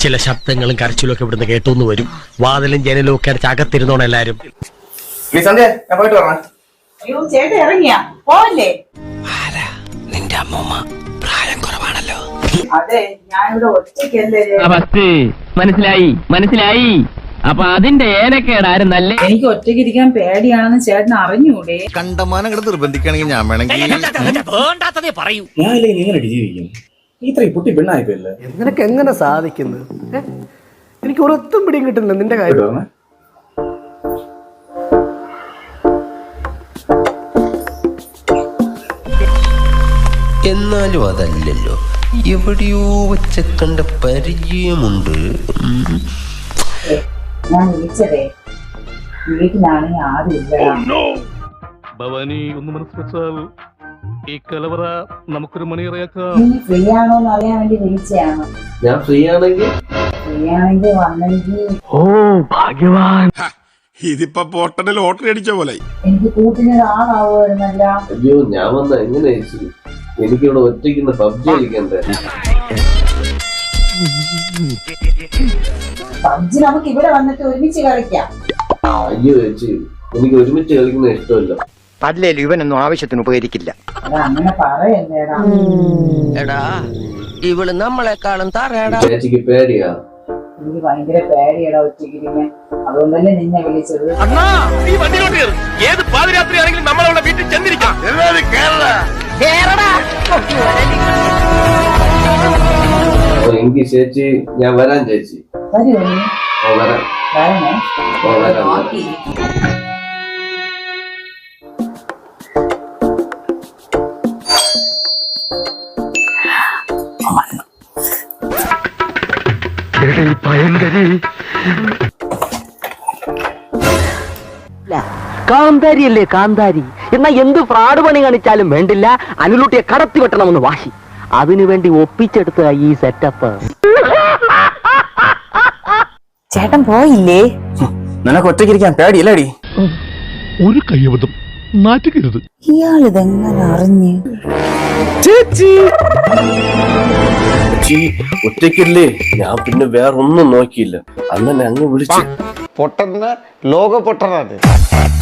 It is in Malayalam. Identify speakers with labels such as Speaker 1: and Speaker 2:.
Speaker 1: ചില ശബ്ദങ്ങളും കരച്ചിലും ഒക്കെ ഇവിടുന്ന് കേട്ടോന്ന് വരും. വാതിലും ജനലും ഒക്കെ അടച്ച് അകത്തിരുന്നോണം എല്ലാരും.
Speaker 2: ചേട്ടൻ ഇറങ്ങിയാ പോവല്ലേ?
Speaker 1: നിന്റെ അമ്മൂമ്മ പ്രായം കുറവാണല്ലോ.
Speaker 2: അതെ, ഞാൻ ഇവിടെ ഒറ്റയ്ക്കല്ലേ.
Speaker 3: മനസ്സിലായി. അപ്പൊ അതിന്റെ ഏനക്കേടാരും നല്ല.
Speaker 2: എനിക്ക് ഒറ്റയ്ക്ക് ഇരിക്കാൻ പേടിയാണെന്ന് ചേട്ടൻ അറിഞ്ഞൂടെ?
Speaker 4: കണ്ടമാനം കിടന്ന് നിർബന്ധിക്കുകയാണെങ്കിൽ ഞാൻ വേണമെങ്കിൽ
Speaker 1: പറയൂ.
Speaker 5: ഞാനില്ലേ എങ്ങനെ ജീവിക്കും? ഇത്രയും കുട്ടി പെണ്ണായിപ്പോയില്ലേ?
Speaker 6: നിനക്ക് എങ്ങനെ സാധിക്കുന്നത്? എനിക്ക് ഒരൊത്തും പിടിയും കിട്ടുന്നില്ല നിന്റെ കാര്യം.
Speaker 7: എന്നാലും അതല്ലല്ലോ, എവിടെയോ വെച്ച കണ്ട പരിചയമുണ്ട്.
Speaker 2: ഞാൻ വിളിച്ചതേ വീട്ടിലാണെങ്കിൽ ആരുമില്ല.
Speaker 8: ഭവാനി ഒന്ന് മനസ്സിലാൽ ഈ കലവറ നമുക്കൊരു മണിയറയാക്കാം.
Speaker 2: നീ ഫ്രീ ആണോന്ന് അറിയാൻ വേണ്ടി വിളിച്ചതാണ്.
Speaker 7: ഞാൻ ഫ്രീ ആണെങ്കിൽ
Speaker 2: വന്നെങ്കിൽ.
Speaker 3: ഓ ഭാഗ്യവാൻ.
Speaker 4: ഇതിപ്പോ പോട്ടന് ലോട്ടറി അടിച്ച പോലെ.
Speaker 2: എനിക്ക് കൂട്ടിനൊരാളാവുമായിരുന്നല്ല.
Speaker 7: അയ്യോ, ഞാൻ വന്ന എങ്ങനെ എനിക്കിവിടെ ഒറ്റയ്ക്ക് പബ്ജി കളിക്കണ്ടേ?
Speaker 2: പബ്ജി നമുക്ക് ഇവിടെ വന്നിട്ട് ഒരുമിച്ച് കളിക്കാം.
Speaker 7: അയ്യോ ചേച്ചി, എനിക്ക് ഒരുമിച്ച് കളിക്കുന്ന ഇഷ്ടമല്ല.
Speaker 6: അല്ലേലും ഇവനൊന്നും ആവശ്യത്തിന് ഉപകരിക്കില്ല.
Speaker 2: അങ്ങനെ പറയല്ലേടാ.
Speaker 7: എടാ, ഇവള് നമ്മളെക്കാളും തറയടാ. ചേച്ചിക്ക് പേടിയാ?
Speaker 2: എനിക്ക് ഭയങ്കര പേടിയടാ ഒറ്റയ്ക്കിരിക്കാൻ. അതുകൊണ്ടല്ലേ നിന്നെ വിളിച്ചത്.
Speaker 1: ഏത് പാതിരാത്രി ആണെങ്കിലും നമ്മളവിടെ വീട്ടിൽ ചെന്നിരിക്കാം.
Speaker 7: എങ്കിൽ ചേച്ചി ഞാൻ വരാൻ ചേച്ചി.
Speaker 2: വരുമോ നീ?
Speaker 7: വരാം.
Speaker 2: വരണേ.
Speaker 7: വരാം.
Speaker 3: കാന്താരിയല്ലേ കാന്താരി. എന്നാ എന്ത് ഫ്രാഡ് പണി കാണിച്ചാലും വേണ്ടില്ല, അനുലൂട്ടിയെ കടത്തി വെട്ടണമെന്ന് വാശി. അതിനുവേണ്ടി ഒപ്പിച്ചെടുത്ത ഈ സെറ്റപ്പ്.
Speaker 2: ചേട്ടൻ പോയില്ലേ?
Speaker 5: നിനക്ക് ഒറ്റയ്ക്കിരിക്കാൻ പേടിയല്ലേടി?
Speaker 8: ഒരു കയ്യബദ്ധം നാറ്റുകരുത്.
Speaker 2: ഇയാളിതെങ്ങനെ അറിഞ്ഞ്?
Speaker 7: ചേച്ചി ഒറ്റയ്ക്കല്ലേ? ഞാൻ പിന്നെ വേറൊന്നും നോക്കിയില്ല. അന്നെ അങ്ങ് വിളിച്ചു.
Speaker 6: പൊട്ടന്ന ലോക പൊട്ടനാണ്.